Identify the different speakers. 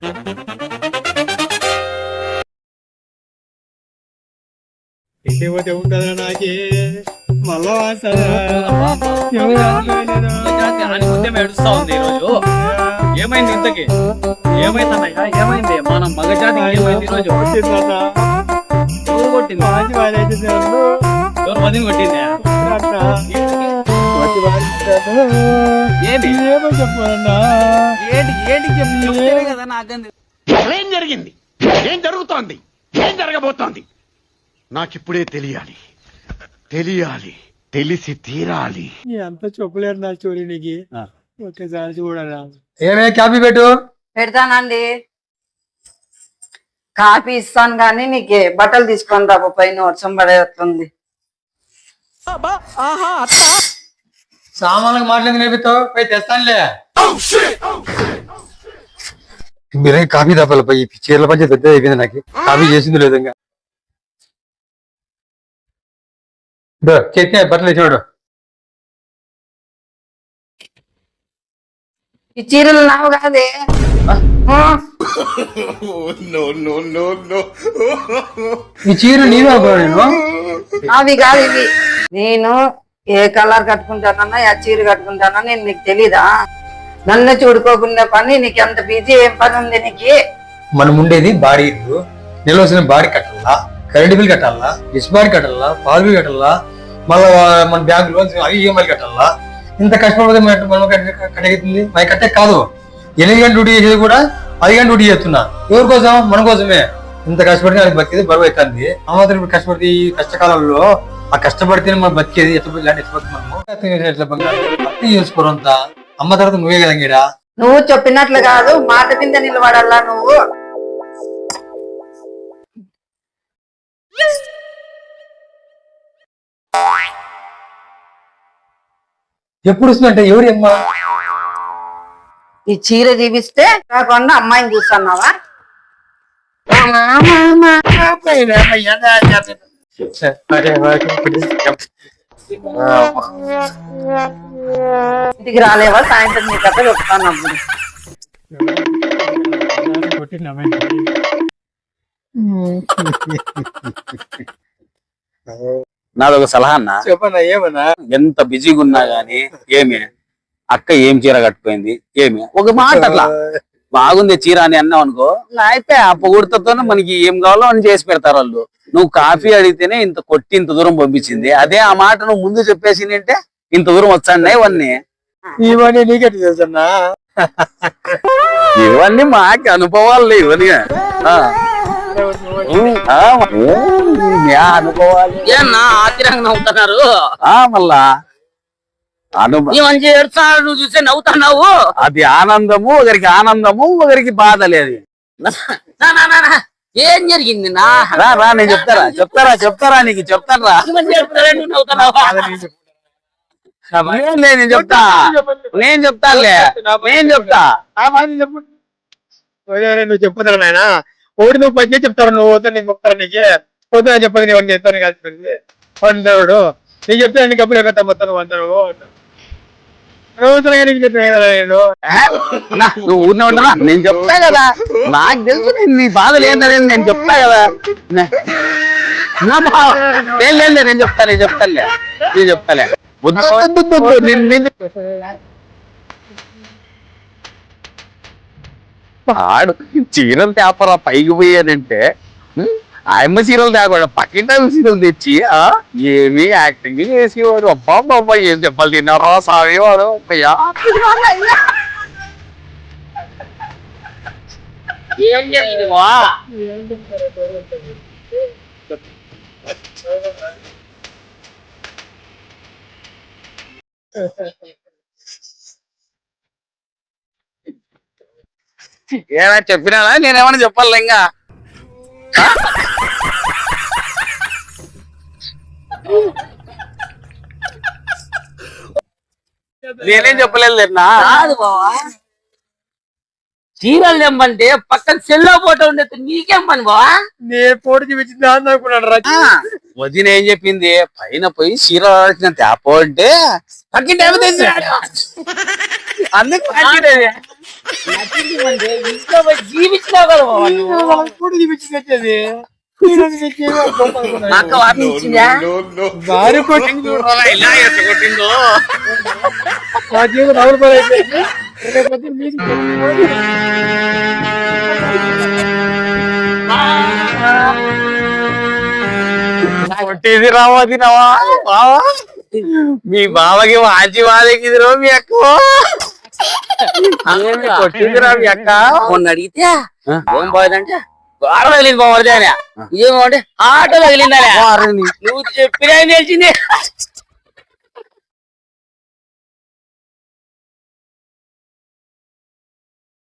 Speaker 1: ఇంటికి పోతే ఉంటుందా నాకే మళ్ళా
Speaker 2: ఏడుస్తా ఉంది ఈరోజు. ఏమైంది ఇంతకి? ఏమైందన్నయ్యా? ఏమైంది మన మగజాతికి? ఏమైంది ఈరోజు? ఎవరు కొట్టింది? ఎవరు వదిన కొట్టిందా? ఏంటి
Speaker 1: ఏమో చెప్పాలన్నా
Speaker 2: ఏంటి ఏంటి చెప్తే కదా నాకంది.
Speaker 3: ఏం జరిగింది? ఏం జరుగుతోంది? ఏం జరగబోతోంది? నాకిప్పుడే తెలియాలి, తెలియాలి, తెలిసి తీరాలి.
Speaker 1: అంత చెప్పలేరు నా స్టోరీ నీకు. ఒక్కసారి చూడరా.
Speaker 4: ఏమే కాపీ పెట్టు.
Speaker 5: పెడతానండి. కాపీ ఇస్తాను గానీ నీకు బట్టలు తీసుకొని రాబో, పైన వర్షం పడేస్తుంది.
Speaker 4: సామాన్లకు మాట్లాడి నేర్పిస్తావు, పోయి తెస్తానులే. మీరే కాపీ తప్పాలి పోయి. చీరల పంచి పెద్ద అయిపోయింది, నాకు కాపీ చేసింది లేదు. ఇంకా చట్నీ బట్టలు వేసినాడు.
Speaker 5: ఈ చీరలు నావు కాదే.
Speaker 4: ఈ చీర నీవే నేను.
Speaker 5: అవి కాదు ఇవి. నేను ఏ కలర్ కట్టుకుంటానన్నా ఆ చీర కట్టుకుంటానా నేను నీకు తెలీదా? నన్ను చూడుకోకుండా పని నీకు ఎంత బిజీ, ఏం పని ఉంది నీకు?
Speaker 4: మనం ఉండేది బాడీ ఇల్లు. నిలవసిన బాడీ కట్టాలా, కరెంట్ బిల్ కట్టాలా, డిస్ బాడీ కట్టాలా, పాలు బిల్ కట్టాలా, మళ్ళా మన బ్యాంకు లోన్స్ అవి ఈఎంఐ కట్టాలా. ఇంత కష్టపడితే మనం కట్టగెత్తుంది. మరి కట్టే కాదు, 8 గంటలు డ్యూటీ చేసేది కూడా 10 గంటలు డ్యూటీ చేస్తున్నా. ఎవరి కోసం? మన కోసమే. ఇంత కష్టపడితే అది బతికేది బరువు అవుతుంది. ఆ మాత్రం ఇప్పుడు కష్టపడితే ఈ కష్టకాలంలో ఆ కష్టపడితేనే మనం బతికేది. ఎట్లా భర్తీ చేసుకోరంతా. అమ్మ తర్వాత నువ్వే కదా గీడా.
Speaker 5: నువ్వు చెప్పినట్లు కాదు, మాట కింద నిలబడాలా నువ్వు.
Speaker 4: ఎప్పుడు వస్తుందంటే ఎవరి అమ్మ?
Speaker 5: ఈ చీర చూపిస్తే కాకుండా అమ్మాయిని చూస్తున్నావా? ఇంటికి రాలేవా? సాయంత్రం నీ కథ చెప్తాను.
Speaker 2: నాదొక సలహా అన్న.
Speaker 1: చెప్పన్నా. ఏమన్నా?
Speaker 2: ఎంత బిజీగా ఉన్నా గానీ ఏమి అక్క ఏం చీర కట్టుపోయింది, ఏమి ఒక మాట అట్లా బాగుంది చీర అని అన్నావు అనుకో, అయితే ఆ పొగుడుతోనే మనకి ఏం కావాలో అని చేసి పెడతారు వాళ్ళు. నువ్వు కాఫీ అడిగితేనే ఇంత కొట్టి ఇంత దూరం పంపించింది. అదే ఆ మాట నువ్వు ముందు చెప్పేసి అంటే ఇంత దూరం వచ్చాయి.
Speaker 1: ఇవన్నీ నీకెట్ తెలుసన్నా?
Speaker 2: ఇవన్నీ మాకు అనుభవాలు ఇవన్నీ. అనుభవాలు
Speaker 6: నవ్వుతున్నారు
Speaker 2: మళ్ళా
Speaker 6: నువ్వు చూస్తే నవ్వుతున్నావు.
Speaker 2: అది ఆనందము, ఒకరికి ఆనందము, ఒకరికి బాధ లేదు.
Speaker 6: ఏం జరిగింది?
Speaker 2: రా నేను చెప్తారా నీకు చెప్తారా? నేను చెప్తా, నేను చెప్తానులే, నేను చెప్తా.
Speaker 1: నువ్వు చెప్పుతారా నాయన? ఒకటి నువ్వు పని చెప్తారు, నువ్వు పోతా నేను చెప్తాను. నీకే పోతే చెప్పదు, నేను చెప్తాను కలిసి వందరుడు. నీకు చెప్తాను, నీకు అప్పుడు ఎక్కడ మొత్తం వందరు
Speaker 2: నువ్వు ఊరినే ఉంటారా? నేను చెప్తా కదా, నాకు తెలుసు నీ బాధలు ఏంటనేది నేను చెప్తా కదా. లేదు నేను చెప్తాలే. ఆడు చీరలు తేపరా పైకి పోయానంటే ఆయమ్మ చీరలు తేకుండా పక్కింటి చీరలు తెచ్చి ఏమి యాక్టింగ్ చేసేవాడు. అబ్బా ఏం దెబ్బలు తిన్నారా సాగేవాడు. ఏమైనా చెప్పినా నేనేమన్నా చెప్పాలి ఇంకా? నేనేం చెప్పలేదు లేనా?
Speaker 6: చీరలు తెమ్మంటే పక్కన సెల్లో ఫోటో ఉండేది, నీకేం పని బావా?
Speaker 1: నేను ఫోటో చూపించింది అనుకున్నాడు.
Speaker 2: వదిన ఏం చెప్పింది? పైన పోయి చీర తేపో అంటే పక్కింటి అందుకు
Speaker 6: ఇంట్లో పోయి జీవించినావు కదా బావ నువ్వు.
Speaker 1: కూడా చూపించింది
Speaker 6: మా అక్క వార్నింగ్ ఇచ్చిందా?
Speaker 1: భార్య కొట్టింది
Speaker 2: ఇలా ఎట్లా కొట్టిందో
Speaker 1: మా జీవితం రావుల పని అయిపోయింది లేకపోతే మీకు
Speaker 2: కొట్టేది రావది నవా బావా మీ బావకి వాచి వాదకిదిరో మీ అక్క కొట్టిందిరా మీ అక్క
Speaker 6: మొన్న అడిగితే ఏం పోయిందంటే గోడ తగిలింది బావరిదే అని. ఏమంటే ఆటో తగిలిందనే. నువ్వు చెప్పినా తెలిసింది.